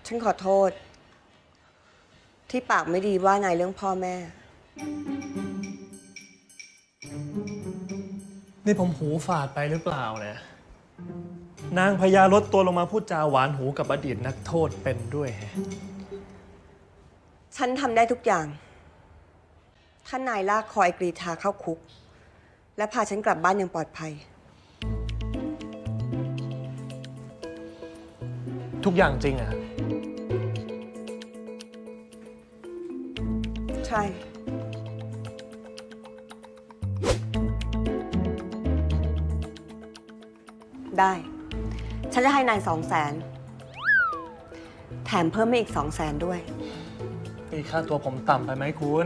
ฉันขอโทษ ที่ปากไม่ดีว่านายเรื่องพ่อแม่นี่ผมหูฝาดไปหรือเปล่าเนี่ยนางพญาลดตัวลงมาพูดจาหวานหูกับอดีตนักโทษเป็นด้วยแฮะฉันทำได้ทุกอย่าง ถ้านายลากคอยกรีธาเข้าคุก และพาฉันกลับบ้านอย่างปลอดภัยทุกอย่างจริงอะใช่ ได้ ฉันจะให้นาย200,000แถมเพิ่มมาอีก200,000ด้วยนี่ค่าตัวผมต่ำไปไหมคุณ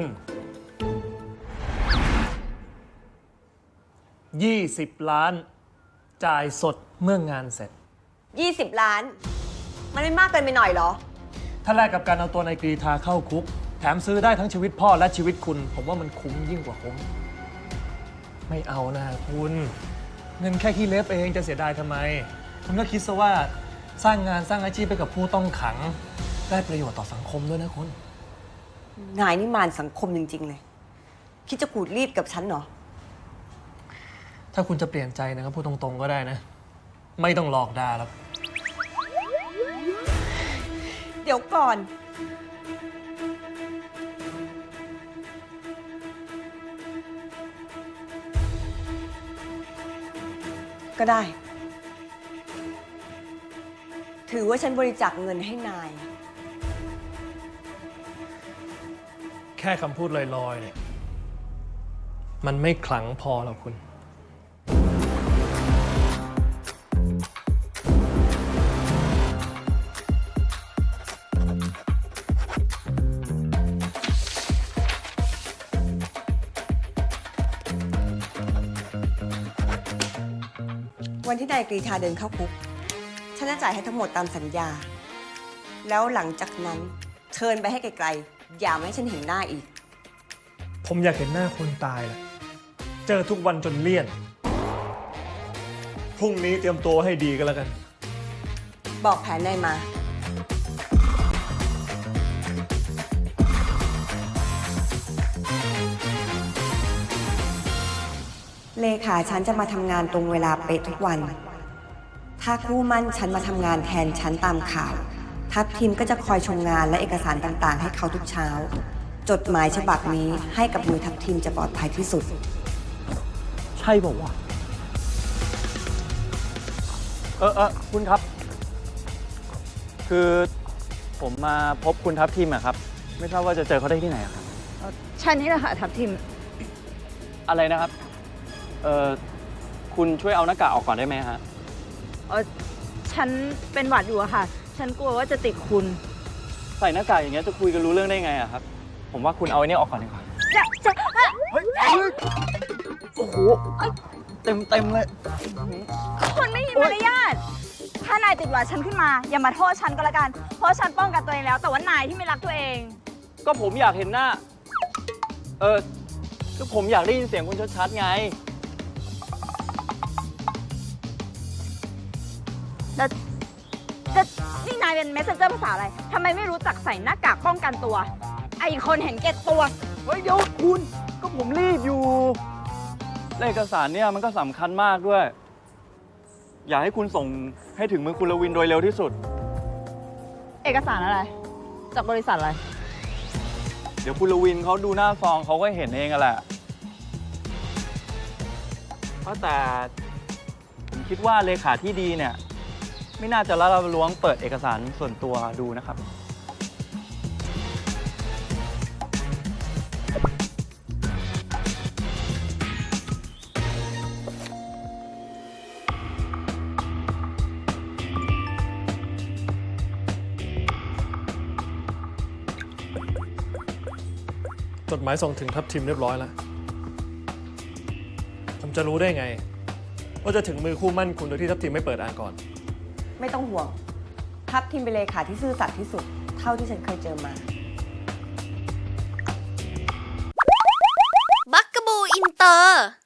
20 ล้าน จ่ายสดเมื่องานเสร็จ 20 ล้าน มันไม่มากเกินไปหน่อยเหรอถ้าแลกกับการเอาตัวนายกรีธาเข้าคุก แถมซื้อได้ทั้งชีวิตพ่อและชีวิตคุณ ผมว่ามันคุ้มยิ่งกว่าคุ้ม ไม่เอานะคุณ เงินแค่ขี้เล็บเองจะเสียดายทำไม คุณก็คิดซะว่าสร้างงานสร้างอาชีพไปกับผู้ต้องขัง ได้ประโยชน์ต่อสังคมด้วยนะคุณนายนี่มารสังคมจริง ๆ เลย คิดจะขูดรีดกับฉันเหรอถ้าคุณจะเปลี่ยนใจนะครับพูดตรงๆก็ได้นะ ไม่ต้องหลอกด่าแล้วเดี๋ยวก่อน ก็ได้ ถือว่าฉันบริจาคเงินให้นายแค่คำพูดลอยๆเนี่ย มันไม่ขลังพอหรอกคุณวันที่นายกรีธาเดินเข้าคุก ฉันจะจ่ายให้ทั้งหมดตามสัญญา แล้วหลังจากนั้นเชิญไปให้ไกลๆ อย่ามาให้ฉันเห็นหน้าอีกผมอยากเห็นหน้าคนตายแหละ เจอทุกวันจนเลี่ยน พรุ่งนี้เตรียมตัวให้ดีก็แล้วกันบอกแผนนายมา เลขาฉันจะมาทำงานตรงเวลาเป๊ะทุกวัน ถ้าคู่มั่นฉันมาทำงานแทนฉันตามข่าว ทัพทีมก็จะคอยชมงานและเอกสารต่างๆ ให้เขาทุกเช้า จดหมายฉบับนี้ให้กับมือทัพทีมจะปลอดภัยที่สุดใช่บอกว่าวะคุณครับ คือผมมาพบคุณทัพทีมอะครับ ไม่ทราบว่าจะเจอเขาได้ที่ไหนอะครับฉันนี่แหละค่ะทัพทิมอะไรนะครับ คุณช่วยเอาหน้ากากออกก่อนได้ไหมฮะฉันเป็นหวัดอยู่อะค่ะ ฉันกลัวว่าจะติดคุณใส่หน้ากากอย่างเงี้ยจะคุยกันรู้เรื่องได้ไงอะครับ ผมว่าคุณเอาไอ้นี่ออกก่อนดีกว่า เฮ้ย โอ้โห เต็มเลยคุณไม่มีมารยาท ถ้านายติดหวัดฉันขึ้นมา อย่ามาโทษฉันก็แล้วกัน เพราะฉันป้องกันตัวเองแล้ว แต่ว่านายที่ไม่รักตัวเองก็ผมอยากเห็นหน้า ก็ผมอยากได้ยินเสียงคุณชัดๆไงแล้วนี่นายเป็น messenger ภาษาอะไร ทำไมไม่รู้จักใส่หน้ากากป้องกันตัว ไอ้คนเห็นแก่ตัวเฮ้ยเดี๋ยวคุณก็ผมรีบอยู่และเอกสารเนี่ยมันก็สำคัญมากด้วย อยากให้คุณส่งให้ถึงมือคุณลวินโดยเร็วที่สุดเอกสารอะไร จากบริษัทอะไรเดี๋ยวคุณลวินเขาดูหน้าซองเขาก็เห็นเองอะแหละเพราะแต่ผมคิดว่าเลขาที่ดีเนี่ย ไม่น่าจะละล้วงเปิดเอกสารส่วนตัวดูนะครับจดหมายส่งถึงทัพทีมเรียบร้อยแล้ว ผมจะรู้ได้ไง ว่าจะถึงมือคู่มั่นคุณโดยที่ทัพทีมไม่เปิดอ่านก่อนไม่ต้องห่วง ทัพทีมเป็นเลขาที่ซื่อสัตย์ที่สุด เท่าที่ฉันเคยเจอมาบักกะบูอินเตอร์